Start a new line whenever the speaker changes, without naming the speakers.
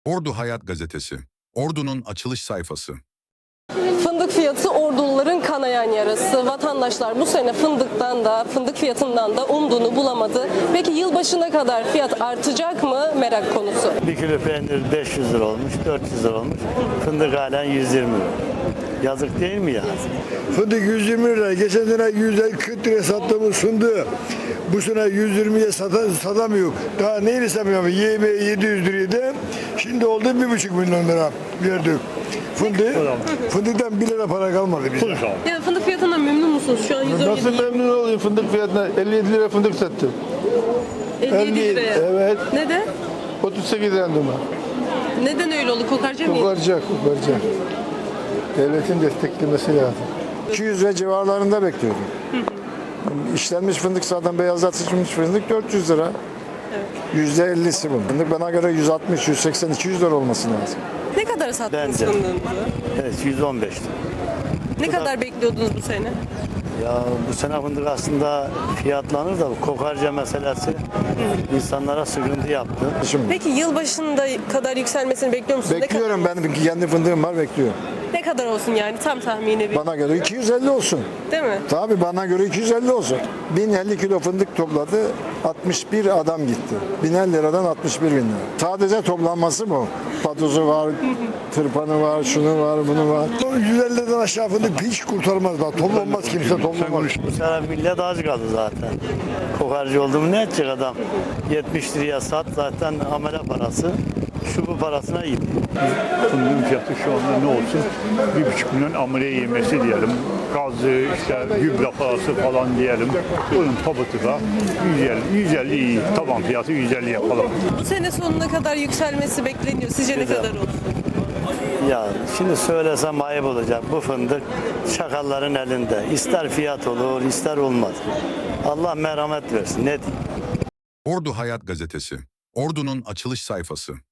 Ordu Hayat Gazetesi. Ordu'nun açılış sayfası.
Fındık fiyatı Orduluların kanayan yarası. Vatandaşlar bu sene fındık fiyatından da umduğunu bulamadı. Peki yılbaşına kadar fiyat artacak mı merak konusu.
Bir kilo peynir 500 lira olmuş, 400 lira olmuş. Fındık halen 120 lira. Yazık değil mi ya?
Fındık 120 lira. Geçen sene 140 liraya sattığımız fındığı bu sene 120'ye satamıyor. Daha neyini satamıyor? Yemeğe 700 liraydı. Şimdi oldu 1,5 milyon lira verdik. Fındıktan 1 lira para kalmadı bize.
Ya fındık fiyatından memnun musunuz? Şu an 117.
Nasıl memnun olayım fındık fiyatına? 57 lira fındık sattım.
57 liraya.
Evet.
Neden?
38 randuma.
Neden öyle oldu? Kokarca mı?
Kokaracak. Devletin desteklemesi lazım.
200 ve civarlarında bekliyordum. İşlenmiş fındık zaten beyazlatılmış fındık 400 lira. %50'si bu. Fındık bana göre 160, 180, 200 lira olması lazım.
Ne kadar sattınız
Bence.
fındığınızı?
Evet 115 lira.
Ne kadar bekliyordunuz bu sene?
Ya bu sene fındık aslında fiyatlanır da bu kokarca meselesi insanlara sıkıntı yaptı.
Şimdi
Peki yılbaşında kadar yükselmesini bekliyor musunuz?
bekliyorum, benim kendi fındığım var, bekliyorum.
Ne kadar olsun yani tam tahmini bir,
Bana göre 250 olsun.
değil mi?
Tabii bana göre 250 olsun. 1050 kilo fındık topladı, 61 adam gitti. 1050 liradan 61 bin lira. Sadece toplanması bu. Patozu var, tırpanı var, şunu var, bunu var.
150 liradan aşağı fındık hiç kurtarmaz. Bak toplanmaz, kimse toplamaz.
Bu sene millet aç kaldı zaten. Kokarcı oldu mu ne edecek adam? 70 liraya sat zaten amele parası. Şu bu parasına gitti.
Fındığın fiyatı şu anda ne olsun? 1,5 milyon amele yemesi diyelim. Gazı, işte gübre parası falan diyelim. Bunun pabutu da 150 iyi. Taban fiyatı 150 yapalım.
Bu sene sonuna kadar yükselmesi bekleniyor. Sizce ne
Güzel.
kadar olsun?
Ya şimdi söylesem ayıp olacak. Bu fındık şakalların elinde. İster fiyat olur, ister olmaz. Allah merhamet versin. Ne diyeyim?
Ordu Hayat Gazetesi. Ordu'nun açılış sayfası.